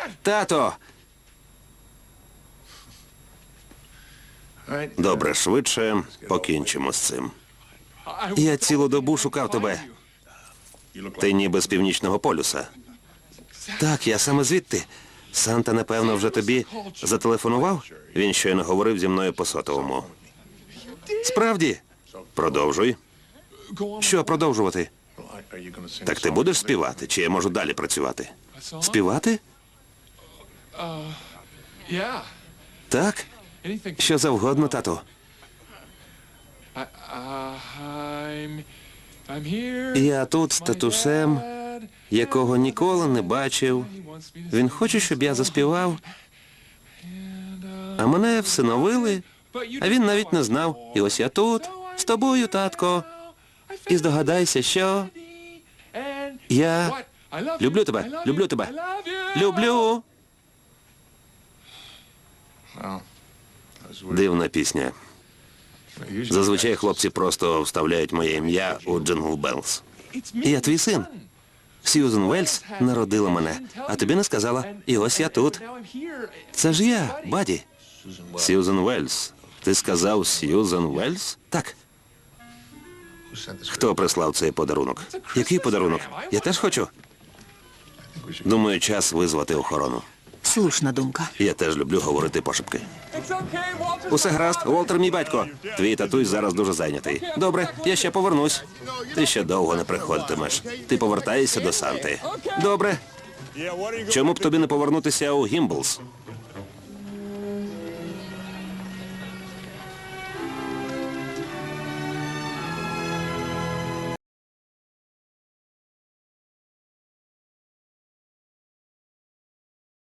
Тато! Добре, швидше покінчимо з цим. Я цілу добу шукав тебе. Ти ніби з Північного полюса. Так, я саме звідти. Санта, напевно, вже тобі зателефонував? Він щойно говорив зі мною по сотовому. Справді? Продовжуй. Що продовжувати? Так ти будеш співати, чи я можу далі працювати? Співати? Так? Що завгодно, тату. Я тут з татусем, якого ніколи не бачив. Він хоче, щоб я заспівав. А мене всиновили, а він навіть не знав. І ось я тут, з тобою, татко. І здогадайся, що... Я люблю тебе, люблю тебе. Люблю. Дивна пісня. Зазвичай хлопці просто вставляють моє ім'я у Джингл Беллс. Я твій син. Сьюзен Вельс народила мене, а тобі не сказала. І ось я тут. Це ж я, Баді. Сьюзен Вельс. Ти сказав Сьюзен Вельс? Так. Хто прислав цей подарунок? Який подарунок? Я теж хочу. Думаю, час визвати охорону. Слушна думка. Я теж люблю говорити пошепки. Усе гаразд, Уолтер мій батько. Твій татусь зараз дуже зайнятий. Добре, я ще повернусь. Ти ще довго не приходитимеш. Ти повертаєшся до Санти. Добре. Чому б тобі не повернутися у Гімблс?